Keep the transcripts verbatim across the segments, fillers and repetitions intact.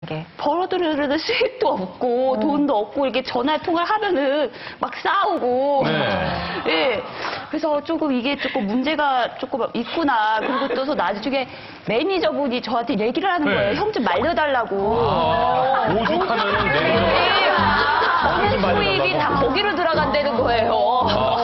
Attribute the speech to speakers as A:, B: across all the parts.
A: 벌어들이는 수입도 없고 어. 돈도 없고 이렇게 전화 통화를 하면은 막 싸우고 네. 예. 그래서 조금 이게 조금 문제가 조금 있구나. 그리고 또 나중에 매니저분이 저한테 얘기를 하는 거예요. 네. 형 좀 말려달라고.
B: 아, 오죽하면은 매니저.
A: 버는 수입이 다 거기로 들어간다는 거예요.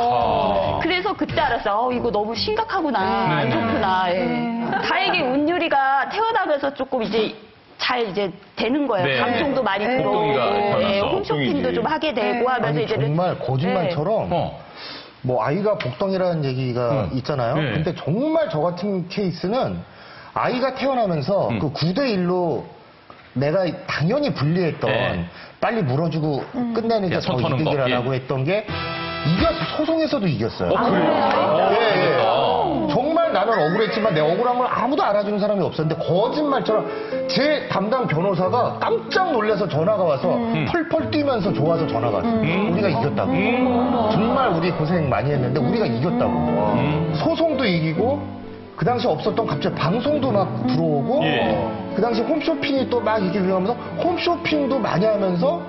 A: 아. 그래서 그때 알았어. 어, 이거 너무 심각하구나. 네. 안 좋구나. 예. 네. 다행히 운율이가 태어나면서 조금 이제 잘 이제 되는 거예요.
B: 네.
A: 방송도 많이
B: 네.
A: 들어오고, 네. 홈쇼핑도
B: 복동이지.
A: 좀 하게 되고
C: 네.
A: 하면서
C: 아니,
A: 이제
C: 정말 거짓말처럼
B: 네.
C: 뭐 아이가 복덩이라는 얘기가
B: 음.
C: 있잖아요.
B: 네.
C: 근데 정말 저 같은 케이스는 아이가 태어나면서
B: 음.
C: 그 구 대 일로 내가 당연히 불리했던
B: 네.
C: 빨리 물어주고
A: 음.
C: 끝내는 게 더 이득이라고 예. 했던 게 이겼어. 소송에서도 이겼어요.
B: 어, 그래요?
C: 예, 예. 정말 나는 억울했지만 내 억울한 걸 아무도 알아주는 사람이 없었는데 거짓말처럼 제 담당 변호사가 깜짝 놀라서 전화가 와서 음. 펄펄 뛰면서 좋아서 전화가 왔어요. 음. 우리가 이겼다고. 음. 정말 우리 고생 많이 했는데 우리가 이겼다고. 음. 소송도 이기고 그 당시 없었던 갑자기 방송도 막 들어오고 예. 그 당시 홈쇼핑이 또 막 이렇게 유행하면서 홈쇼핑도 많이 하면서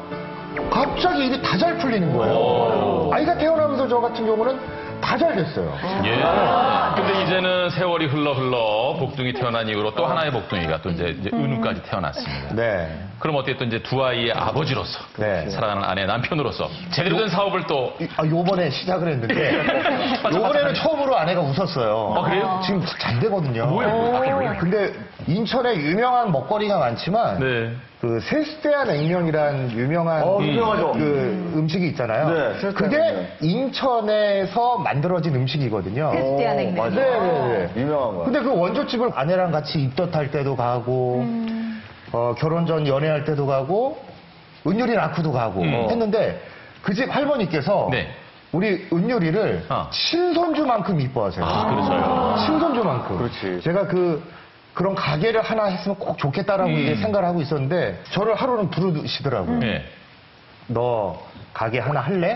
C: 갑자기 이게 다 잘 풀리는 거예요. 오. 아이가 태어나면서 저 같은 경우는 다 잘 됐어요.
B: 예. 근데 이제는 세월이 흘러 흘러 복둥이 태어난 이후로 또 하나의 복둥이가 또 이제, 이제 은우까지 태어났습니다.
C: 네.
B: 그럼 어쨌든 이제 두 아이의 아버지로서
C: 네.
B: 사랑하는 아내 남편으로서 제대로 된 사업을 또
C: 아, 요번에 시작을 했는데 요번에는 처음으로 아내가 웃었어요.
B: 아, 그래요?
C: 지금 잘 되거든요.
B: 뭐예요?
C: 근데 인천에 유명한 먹거리가 많지만
B: 네.
C: 그 세스테아 냉면이란 유명한
D: 어, 유명하죠.
C: 그 음식이 있잖아요.
D: 네, 세스테아
C: 그게
D: 냉면.
C: 인천에서 만들어진 음식이거든요.
E: 세스테아 냉면.
D: 맞아.
C: 네, 네.
D: 유명한 거야.
C: 근데 그 원조집을 아내랑 같이 입덧할 때도 가고
E: 음.
C: 어, 결혼 전 연애할 때도 가고 은율이 낳고도 가고
B: 음.
C: 했는데 그 집 할머니께서
B: 네.
C: 우리 은율이를
B: 어.
C: 친손주만큼 이뻐하세요.
B: 아, 그렇죠.
C: 친손주만큼.
D: 그렇지.
C: 제가 그 그런 가게를 하나 했으면 꼭 좋겠다라고
B: 음.
C: 이제 생각을 하고 있었는데 저를 하루는 부르시더라고요.
B: 네.
C: 너 가게 하나 할래?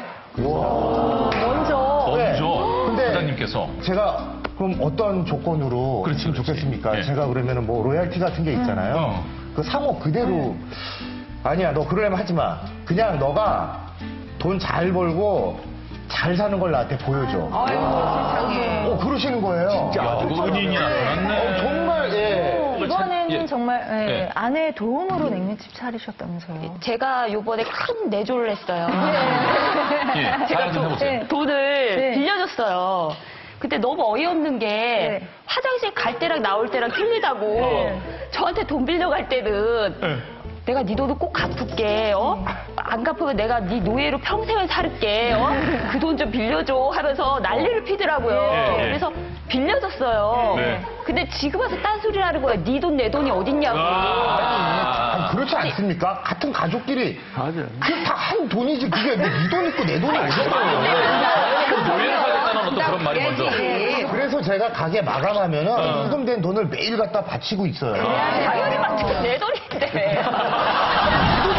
A: 먼저
B: 먼저
C: 근데
B: 부장님께서
C: 제가 그럼 어떤 조건으로
B: 그렇지,
C: 했으면
B: 그렇지.
C: 좋겠습니까?
B: 네.
C: 제가 그러면은 뭐 로얄티 같은 게 있잖아요.
B: 어.
C: 그 상호 그대로 아니야 너 그러려면 하지 마. 그냥 너가 돈 잘 벌고 잘 사는 걸 나한테 보여줘.
E: 아이고, 세상에.
C: 어 그러시는 거예요.
B: 야, 그 은인이 나타났네.
C: 어, 정말 예.
E: 이번에는
B: 예.
E: 정말 예,
B: 예.
E: 아내의 도움으로 냉면집 차리셨다면서요.
A: 제가 요번에 큰 내조를 했어요.
B: 예. 자랑 좀 해보세요.
E: 네.
A: 돈을
E: 네.
A: 빌려줬어요. 근데 너무 어이없는 게
E: 네.
A: 화장실 갈 때랑 나올 때랑 틀리다고
E: 네.
A: 저한테 돈 빌려갈 때는
B: 네.
A: 내가 네 돈을 꼭 갚을게. 어? 안 갚으면 내가 네 노예로 평생을 살게. 어? 그 돈 좀 빌려줘 하면서 난리를 피더라고요.
B: 네.
A: 그래서 빌려줬어요.
B: 네.
A: 근데 지금 와서 딴소리를 하는 거야. 네 돈 내 돈이 어딨냐고.
B: 아.
C: 아니, 그렇지 않습니까? 같은 가족끼리
D: 맞아.
C: 그게 다 한 돈이지 그게 네 돈 있고 내 돈이 어딨어요.
B: 노예를 하겠다는 어떤 그런 말이 먼저.
C: 그래서 제가 가게 마감하면은 수금된 돈을 매일 갖다 바치고 있어요.
A: 당연히 맞죠. 내 돈인데.